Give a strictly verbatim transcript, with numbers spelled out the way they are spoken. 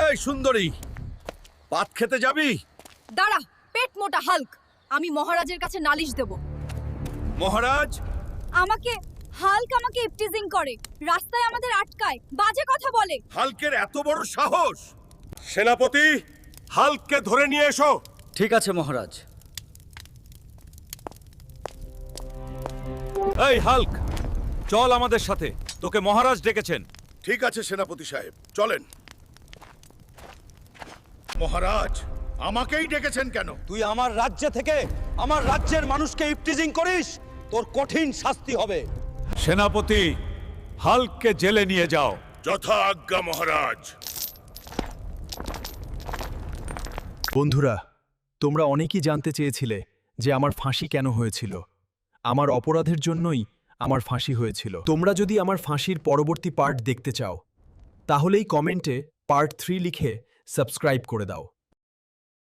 এই সুন্দরী, ভাত খেতে যাবি? দাঁড়া, পেট মোটা হাল্ক, আমি মহারাজের কাছে নালিশ দেব। মহারাজ? আমাকে হাল্ক আমাকে ইপটিজিং করে, রাস্তায় আমাদের আটকায়, বাজে কথা বলে। হাল্কের এত বড় সাহস! সেনাপতি, হাল্ককে ধরে নিয়ে এসো। ঠিক আছে মহারাজ। এই হাল্ক, চল আমাদের সাথে, তোকে মহারাজ ডেকেছেন। ঠিক আছে সেনাপতি সাহেব, চলেন। মহারাজ, আমাকেই ডেকেছেন কেন? তুই আমার রাজ্য থেকে আমার রাজ্যের মানুষকে ইপটিজিং করিস, তোর কঠিন শাস্তি হবে। সেনাপতি, হাল্ককে জেলে নিয়ে যাও। যথা আজ্ঞা মহারাজ। বন্ধুরা, তোমরা অনেকেই জানতে চেয়েছিলে যে আমার ফাঁসি কেন হয়েছিল। আমার অপরাধের জন্যই আমার ফাঁসি হয়েছিল। তোমরা যদি আমার ফাঁসির পরবর্তী পার্ট দেখতে চাও, তাহলেই কমেন্টে পার্ট থ্রি লিখে সাবস্ক্রাইব করে দাও।